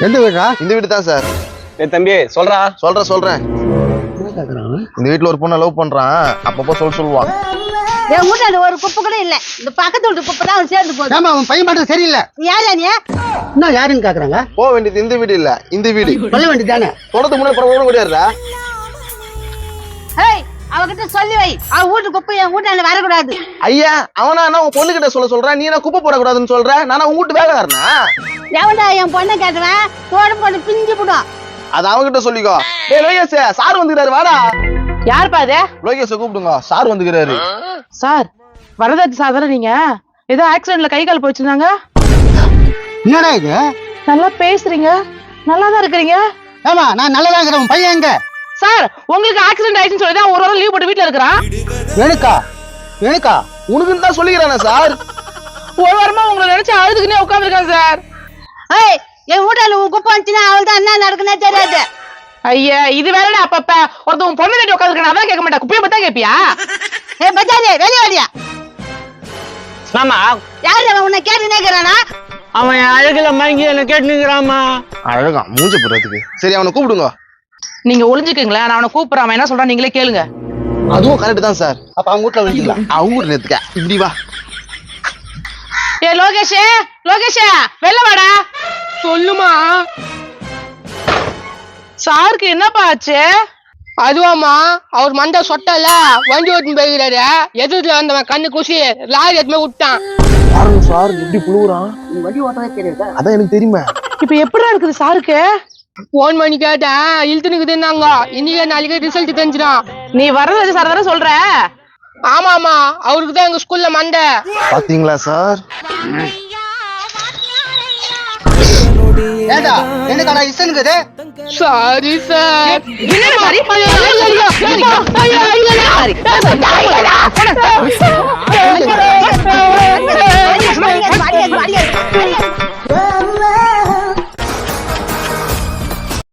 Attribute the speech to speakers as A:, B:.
A: எந்த வீடா?
B: இந்த வீடு தான் சார்.
C: தம்பி
B: சொல்றேன். இந்த வீட்டுல ஒரு பொண்ணை லவ் பண்றான். அப்பப்போ சொல்லுவான்.
D: என் வீட்டாண்ட ஒரு குப்பை கூட இல்ல. இந்த பக்கத்து வீட்டு குப்பை தான் சேர்ந்து போகுது.
A: ஆமா, அவன் பையன் மட்டும் சரியில்லை.
D: யாரா நீ?
A: இன்னும் யாருன்னு கேக்குறாங்க.
B: போக வேண்டியது இந்த வீடு இல்ல, இந்த வீடு.
A: சொல்ல வேண்டியதானே?
B: தொடர்ந்து முன்னாடி பரவாயில்ல முடியாதுடா.
D: ஏய், அவகிட்ட சொல்லி வை. அவ வீட்டு குப்பை என் வீட்டாண்ட வரக்கூடாது.
B: ஐயா, அவனா உன் பொண்ணு கிட்ட சொல்ற, நீ என்ன குப்பை போடக்கூடாதுன்னு சொல்ற? நானா உங்க வீட்டு வேலைக்காரனா?
D: எவன்டா என் பொண்ணை கேட்டுவேன்? தோடு போட்டு பிஞ்சு போடும்.
B: அது அவங்கிட்ட சொல்லிக்கோ. டேய் லோகேஷ், சார் வந்துக்கிறாரு, வாடா.
E: யாருப்பா அது?
B: லோகேஷ் கூப்பிடுங்க, சார் வந்துக்கிறாரு.
E: சார், வரதாச்சு சார் தானே நீங்க? ஏதோ ஆக்சிடென்ட்ல கை கால் போயிடுச்சுனாங்க.
A: என்னடா இது?
E: நல்லா பேசுறீங்க, நல்லாதான் இருக்கிறீங்க.
A: ஆமா, நான் நல்லதா இருக்கிறேன். உன் பையன் எங்க?
E: சார், உங்களுக்கு ஆக்சிடென்ட் ஆயிடுச்சுன்னு சொல்லி தான் ஒரு வாரம் லீவ் போட்டு வீட்டுல இருக்கிறான்.
A: எனக்கா?
B: உனக்குன்னு தான் சொல்லிக்கிறானே சார்.
E: ஒரு வாரமா உங்களை நினைச்சு அழுதுக்குன்னே உட்காந்துருக்கான் சார்.
D: ஏய், என் வீட்டாண்ட குப்பை வந்துச்சுன்னா அவள் தான் என்ன நடக்குன்னே தெரியாது.
E: ஐயா, இது வேறடா. அப்பப்ப ஒருத்தவங்க பொண்ணு கட்டி உட்காந்துருக்கான், அதான் கேட்க மாட்டா, குப்பையை பத்தா கேப்பியா?
D: ஏய் பச்சாதே, வெளியே வாடியா.
C: ஆமா,
D: யாரு அவன் உன்னை கேட்டு நேக்கிறானா?
C: அவன் அழகுல மயங்கி என்ன கேட்டுக்கிறாமா.
B: அழகா மூஞ்ச போடுறதுக்கு. சரி, அவனை கூப்பிடுங்க.
E: நீங்க ஒளிஞ்சுக்கீங்களா? நான் அவனை கூப்பிடுறான். அவன் என்ன சொல்றான் நீங்களே கேளுங்க.
B: அதுவும் கரெக்ட் தான் சார்.
A: அப்ப அவங்க வீட்டுல வந்துக்கலாம்.
B: அவங்க வீட்டுல நேத்துக்க இப்படி வா.
E: ஏ லோகேஷே, வெளில வாடா. சொல்லுமா. சாருக்கு என்னப்பா ஆச்சு?
F: அதுவாமா, அவர் மண்டை சொட்டல வண்டி ஓட்டுன்னு போயிருக்காரு. எதிர்த்துல வந்தவன் கண்ணு குசி லாரி எதுவுமே விட்டான்.
B: பாருங்க சார், எப்படி புழுவுறான்.
D: வண்டி ஓட்டவே தெரியுதா?
B: அதான் எனக்கு தெரியுமா.
E: இப்ப எப்படிடா இருக்குது சாருக்கு?
F: போன் பண்ணி கேட்டேன், இழுத்துனுக்குதுன்னாங்க. இன்னைக்கு நாளைக்கு ரிசல்ட் தெரிஞ்சிடும்.
E: நீ வரதாச்சு சார் தானே சொல்ற?
F: ஆமாமா, அவருக்கு தான் எங்க ஸ்கூல்ல மண்டை.
B: பாத்தீங்களா சார்?
A: ஏடா, எனக்காடா இசனுக்குது?
F: Sorry sir.
E: என்ன மாதிரி?